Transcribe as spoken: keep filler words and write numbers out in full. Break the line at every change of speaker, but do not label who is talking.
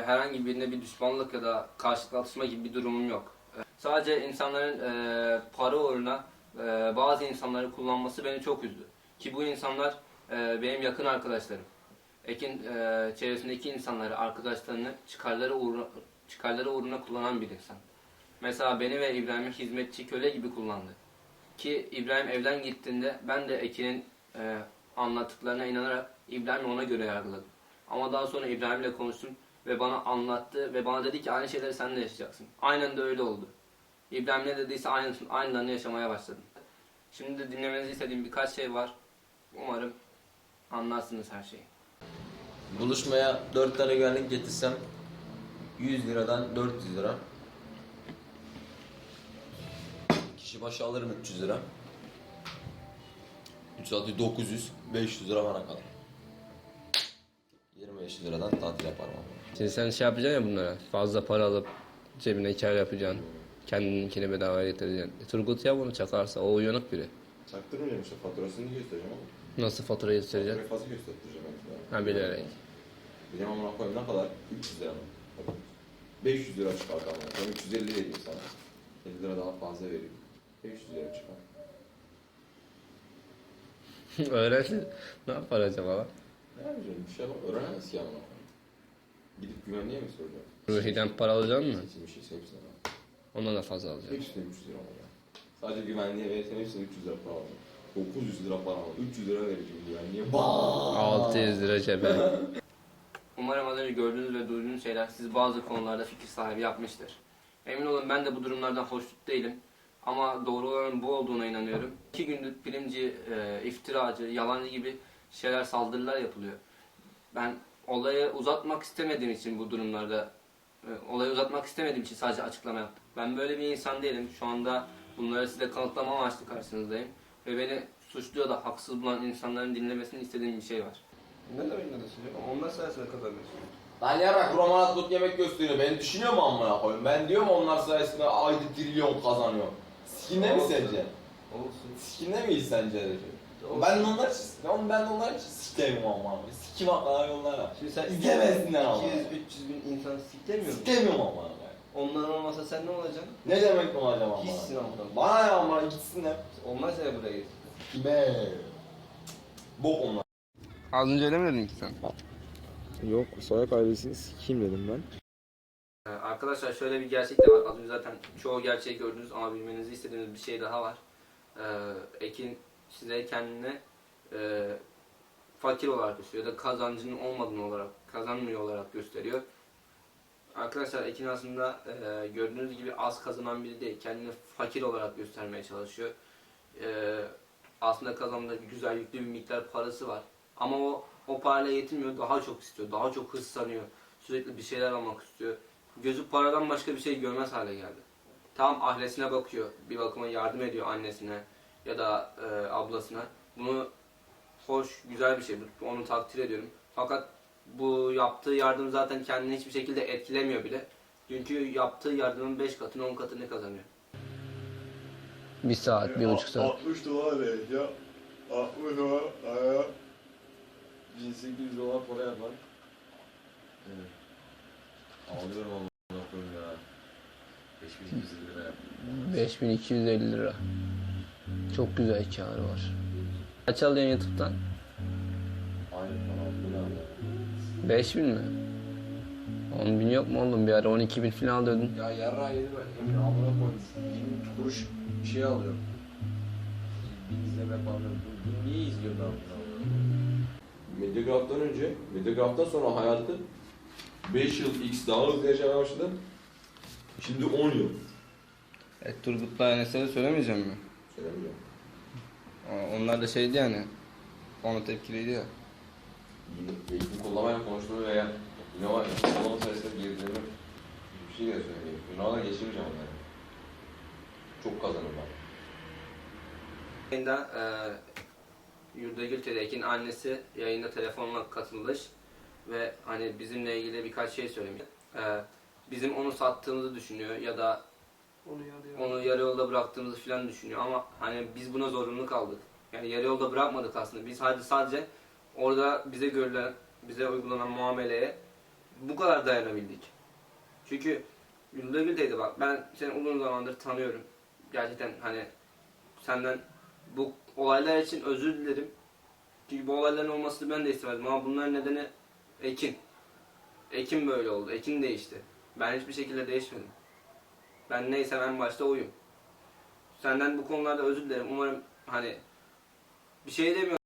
herhangi birine bir düşmanlık ya da karşılıklı atışma gibi bir durumum yok. E, sadece insanların e, para uğruna e, bazı insanları kullanması beni çok üzdü. Ki bu insanlar e, benim yakın arkadaşlarım. Ekin e, çevresindeki insanları, arkadaşlarını çıkarları uğruna, çıkarları uğruna kullanan bir insan. Mesela beni ve İbrahim'i hizmetçi, köle gibi kullandı. Ki İbrahim evden gittiğinde ben de Ekin'in e, anlattıklarına inanarak İbrahim'i ona göre yargıladım. Ama daha sonra İbrahim'le konuştum ve bana anlattı ve bana dedi ki aynı şeyleri sen de yaşayacaksın. Aynen de öyle oldu. İbrahim ne dediyse aynısını, aynılarını yaşamaya başladım. Şimdi de dinlemenizi istediğim birkaç şey var. Umarım anlarsınız her şeyi.
Buluşmaya dört tane güvenlik getirsem yüz liradan dört yüz lira. Kişi başı alırım üç yüz lira. üç saati dokuz yüz, beş yüz lira bana kalır. yirmi beş liradan tatil yaparım abi.
Şimdi sen şey yapacaksın ya bunlara, fazla para alıp cebine kar yapacaksın. Kendininkini bedavaya getireceksin. E, Turgut ya bunu çakarsa, o uyanık biri.
Çaktırmayacağım işte, faturasını göstereceğim ama.
Nasıl faturayı göstereceksin?
Faturayı fazla göstereceğim ben.
Ha, bilerek.
Benim amına koyayım ne kadar? üç yüz lira mı? beş yüz lira çıkar ama. Ben üç yüz elli vereyim sana. elli lira daha fazla vereyim. beş yüz lira çıkar.
Öğrensin. Ne yapar acaba lan?
Ne yapacağım? Bir şey yapamam. Öğrenemez ki amına koyayım. Gidip güvenliğe mi soracağım?
Ruhi'den para alacaksın mı?
Seçilmiş hepsine bak.
Ondan da fazla alacaksın.
Hepsine üç yüz lira alacağım. Sadece güvenliğe verirsen hepsine üç yüz lira para alacağım. dokuz yüz lira para alacağım. üç yüz lira vereceğim güvenliğe.
altı yüz lira cebe. Umarım az önce gördüğünüz ve duyduğunuz şeyler sizi bazı konularda fikir sahibi yapmıştır. Emin olun ben de bu durumlardan hoşnut değilim. Ama doğru olanın bu olduğuna inanıyorum. İki gündür primci, e, iftiracı, yalancı gibi şeyler, saldırılar yapılıyor. Ben olayı uzatmak istemediğim için bu durumlarda, e, olayı uzatmak istemediğim için sadece açıklama yaptım. Ben böyle bir insan değilim. Şu anda bunları size kanıtlama amaçlı karşınızdayım. Ve beni suçlu ya da haksız bulan insanların dinlemesini istediğim bir şey var.
Ne demek ne düşünüyor? Onlar sayesinde kazanıyorsun.
Lan yarak romanat tut yemek gösteriyor. Beni düşünüyor mu amına koyayım? Ben diyorum onlar sayesinde ayda trilyon kazanıyor. Sikinde mi sence?
Olsun.
Sikinde miyiz sence? Ben de onlar için, ben ben de onlar için sikemiyorum ama. Sikim haklar onlara.
Şimdi sen
İzlemesinler ama.
iki yüz üç yüz bin insan siklemiyor musun?
Sikemiyorum ama.
Onlar olmasa sen ne olacaksın?
Ne demek mi acaba?
Hiçsin amına.
Bana ne ama gitsinler.
Olmaz ya buraya git.
Kime? Bok onlar.
Az önce öyle mi dedin ki sen?
Yok, Soyak ailesini sikeyim dedim ben.
Ee, Arkadaşlar şöyle bir gerçek de var. Az önce zaten çoğu gerçeği gördünüz ama bilmenizi istediğimiz bir şey daha var. Ee, Ekin size kendini e, fakir olarak gösteriyor ya da kazancının olmadığını olarak, kazanmıyor olarak gösteriyor. Arkadaşlar Ekin aslında e, gördüğünüz gibi az kazanan biri değil. Kendini fakir olarak göstermeye çalışıyor. E, aslında kazandığı güzel yüklü bir miktar parası var. Ama o o parayla yetinmiyor. Daha çok istiyor. Daha çok hırslanıyor. Sürekli bir şeyler almak istiyor. Gözü paradan başka bir şey görmez hale geldi. Tam ailesine bakıyor. Bir bakıma yardım ediyor annesine ya da e, ablasına. Bunu hoş, güzel bir şey. Onu takdir ediyorum. Fakat bu yaptığı yardım zaten kendini hiçbir şekilde etkilemiyor bile. Çünkü yaptığı yardımın beş katını, on katını kazanıyor. Bir saat, bir buçuk saat.
altmış dolar vereceğim. altmış dolar aya.
bin sekiz yüz dolar para yapar. Evet. Alıyorum amına koyayım ya. beş bin iki yüz elli lira yapar.
beş bin iki yüz elli lira. Çok güzel kârı var. Kaç alıyorsun YouTube'dan?
Aynı para bu ne abi?
beş bin mi? on bin yok mu oğlum? Bir ara on iki bin falan alıyordun.
Ya yarra yedi ben. Emin amına koymuş. yirmi kuruş bir şey alıyorum. Bir izleme falan. Bu niye izliyor ben bunu?
Mediagraph'tan önce, Mediagraph'tan sonra hayatı beş yıl X daha hızlı yaşamaya başladı. Şimdi on yıl.
E, Turgut'la Enes'e söylemeyeceğim mi?
Söylemiyorum.
Onlar da şeydi yani. Ona tepkiliydi ya.
Eğitim kullanmayla konuştuğum veya ne var ya, kullanma sayesinde girdiğimi bir şey de söyleyeyim. Ünal'a geçirmeyeceğim onları. Çok kazanım var.
Yayında e, Yurdagül Tedek'in annesi yayında telefonla katılmış ve hani bizimle ilgili birkaç şey söylemiş. E, bizim onu sattığımızı düşünüyor ya da
Onu yarıyor.
onu yarı yolda bıraktığımızı falan düşünüyor ama hani biz buna zorunlu kaldık. Yani yarı yolda bırakmadık aslında. Biz sadece sadece orada bize görülen, bize uygulanan muameleye bu kadar dayanabildik. Çünkü Gülde teyze bak, ben seni uzun zamandır tanıyorum. Gerçekten hani senden bu olaylar için özür dilerim. Çünkü bu olayların olmasını ben de istemedim ama bunların nedeni Ekin. Ekin böyle oldu. Ekin değişti. Ben hiçbir şekilde değişmedim. Ben neysem en başta oyum. Senden bu konularda özür dilerim. Umarım hani bir şey demiyorum.